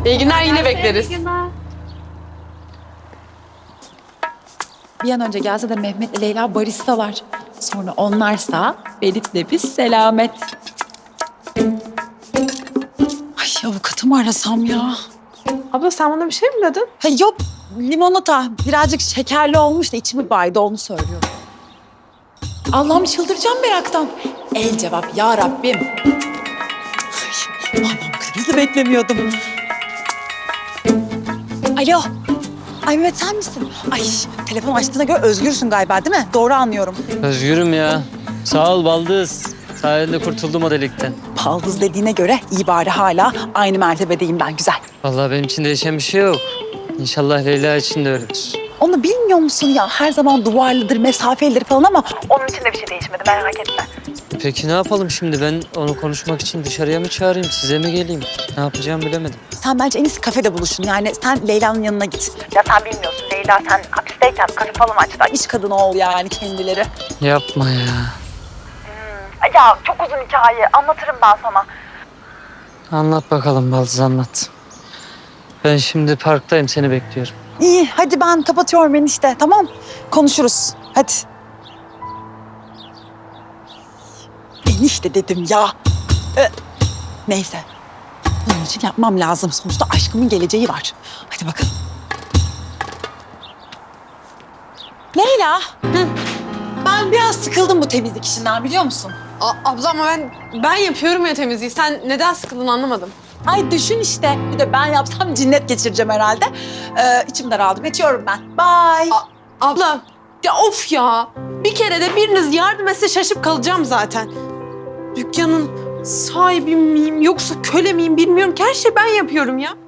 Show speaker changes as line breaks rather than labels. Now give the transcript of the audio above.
İyi günler, yine bekleriz.
Bir an önce gelse de Mehmet'le Leyla baristalar. Sonra onlarsa Ferit'le biz selamet. Ay avukatımı arasam ya.
Abla sen bana bir şey mi dedin?
Ha, yok limonata birazcık şekerli olmuş da içimi baydı onu söylüyorum. Allah'ım çıldıracağım meraktan. El cevap ya Rabbim. Ay, Allah'ım krizi beklemiyordum. Alo. Ay Mehmet sen misin? Ay telefon açtığına göre özgürsün galiba değil mi? Doğru anlıyorum.
Özgürüm ya. Sağ ol Baldız. Sayende kurtuldum o delikten.
Baldız dediğine göre iyi bari hala aynı mertebedeyim ben güzel.
Vallahi benim için değişen bir şey yok. İnşallah Leyla için de öyledir.
Onu bilmiyor musun ya? Her zaman duvarlıdır, mesafelidir falan ama onun için de bir şey değişmedi merak etme.
Peki ne yapalım şimdi? Ben onu konuşmak için dışarıya mı çağırayım, size mi geleyim? Ne yapacağımı bilemedim.
Sen bence en iyisi kafede buluşun. Yani sen Leyla'nın yanına git. Ya sen bilmiyorsun Leyla sen hapisteyken kafe falan açtılar. İş kadını ol yani kendileri.
Yapma ya.
Ya çok uzun hikaye. Anlatırım ben sana.
Anlat bakalım Baldız, anlat. Ben şimdi parktayım, seni bekliyorum.
İyi hadi ben kapatıyorum enişte tamam. Konuşuruz. Hadi. Enişte dedim ya. Neyse. Bunun için yapmam lazım. Sonuçta aşkımın geleceği var. Hadi bakalım. Leyla. Hı. Ben biraz sıkıldım bu temizlik işinden biliyor musun?
Abla ama ben yapıyorum ya temizliği. Sen neden sıkıldın anlamadım.
Ay düşün işte. Bir de ben yapsam cinnet geçireceğim herhalde. İçim daraldı. Geçiyorum ben. Bye.
Abla ya of ya. Bir kere de biriniz yardım etse şaşıp kalacağım zaten. Dükkanın sahibi miyim yoksa köle miyim bilmiyorum ki her şeyi ben yapıyorum ya.